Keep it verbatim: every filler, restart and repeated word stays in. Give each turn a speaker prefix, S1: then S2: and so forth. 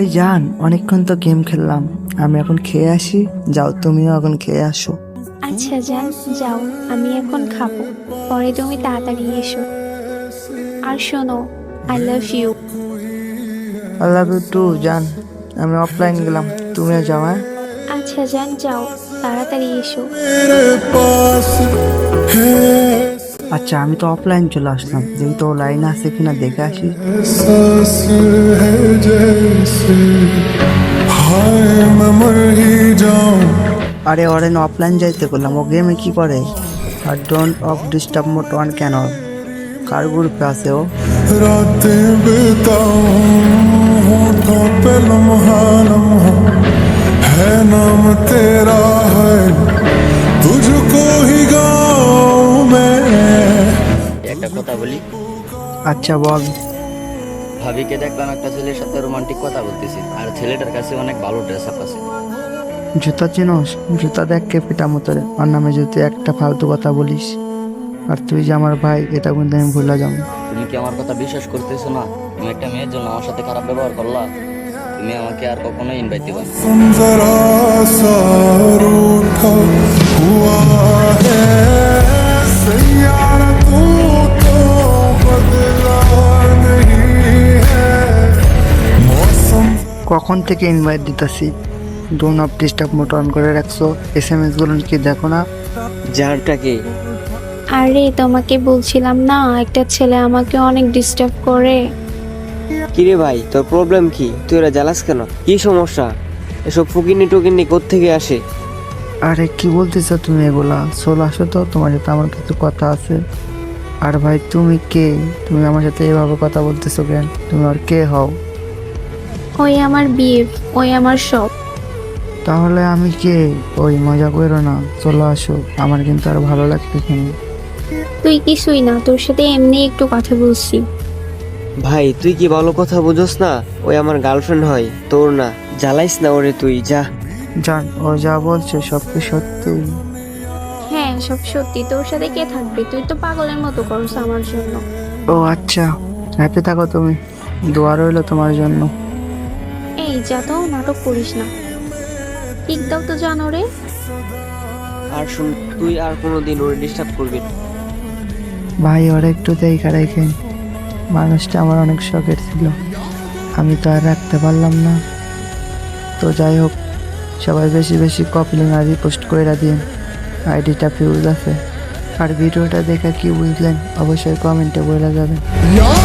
S1: জান, অনেকক্ষণ তো গেম খেললাম, আমি এখন খেয়ে আসি। যাও তুমিও এখন খেয়ে আসো।
S2: আচ্ছা যান, যাও, আমি এখন খাবো, পরে তুমি তাড়াতাড়ি এসো। আর শোনো, I love you.
S1: I love you too জান। আমি অফলাইন গেলাম, তুমিও যাও। হ্যাঁ
S2: আচ্ছা যান, যাও, তাড়াতাড়ি এসো।
S1: আচ্ছা, আমি তো অফলাইন চলে আসলাম, যেহেতু লাইন আছে কিনা দেখে আসি। আরে অরেন অফলাইন যাইতে বললাম, ও গেমে কি করে? আর don't of disturb mode on কেন? কার গ্রুপে আছে ও?
S3: रातें बिताऊं होठों पे लम्हा लम्हा है नाम तेरा है तुझको ही गाऊं मैं।
S4: একটা কথা বলি,
S1: আচ্ছা বল।
S4: ভাবিকে দেখলাম একটা ছেলের সাথে রোমান্টিক কথা বলতেছি, আর ছেলেটার কাছে অনেক ভালো ড্রেস আপ আছে।
S1: জুতা চিনোস? জুতা দেখ কে পিটা মতরে, ওর নামে যদি একটা ফালতু কথা বলিস, আর তুই যে আমার ভাই এটা কিন্তু আমি ভুলে যাবো।
S4: তুমি কি আমার কথা বিশ্বাস করতেছো না? তুমি একটা মেয়ের জন্য আমার সাথে খারাপ ব্যবহার করলা, তুমি আমাকে আর কখনো ইনভাইট দিবা না।
S3: तुम जरा सा रूठा हुआ है सैयारा तू तो बदला नहीं है मौसम।
S1: কখন থেকে ইনভাইট দিতেছি, don't of disturb mode on করে রাখছো, এস এম এস গুলো কি দেখো না?
S5: জানটাকে
S2: আরে তোমাকে বলছিলাম না, একটা ছেলে আমাকে অনেক ডিস্টার্ব করে।
S5: কিরে ভাই, তোর প্রবলেম কি? তুই এরা জ্বালাস কেন? কি সমস্যা? এসব ফুকিনি টুকিনি কোত্থেকে আসে?
S1: আরে কি বলতেছো তুমি এগুলা? চলে আসো তো, তোমার সাথে আমার কিছু কথা আছে। আর ভাই তুমি কে? তুমি আমার সাথে এভাবে কথা বলতেছো কেন? তুমি আর কে হও?
S2: ওই আমার বিয়ে, ওই আমার সব।
S1: তাহলে আমি কে? ওই মজা করো না, চলে আসো, আমার কিন্তু আর ভালো লাগতেছে না।
S2: তুই কিছুই না, তোর সাথে এমনি একটু কথা বলছি।
S5: ভাই তুই কি ভালো কথা বুঝোস না? ওই আমার গার্লফ্রেন্ড হয়, তোর না। জ্বালাইস না ওরে, তুই যা।
S1: জান, ও যা বলছে সব কি সত্যি?
S2: হ্যাঁ, সব সত্যি। তোর সাথে কে থাকবে? তুই তো পাগলের মতো করছ আমার জন্য।
S1: ও আচ্ছা, হ্যাপি থাকো তুমি, দোয়া রইলো তোমার জন্য।
S2: এই যা তো, নাটক করিস না। ঠিক দাও তো, জানো রে।
S5: আর শুন, তুই আর কোনোদিন ওরে ডিস্টার্ব করবি না।
S1: ভাই ওর একটু দেখা রেখেন, মানুষটা আমার অনেক শখের ছিল, আমি তো আর রাখতে পারলাম না। তো যাই হোক, সবাই বেশি বেশি কপলিং আর রিপোস্ট করে দিন, আইডিটা ফিউজ আছে। আর ভিডিওটা দেখে কি বুঝলেন অবশ্যই কমেন্টে বলে যাবেন।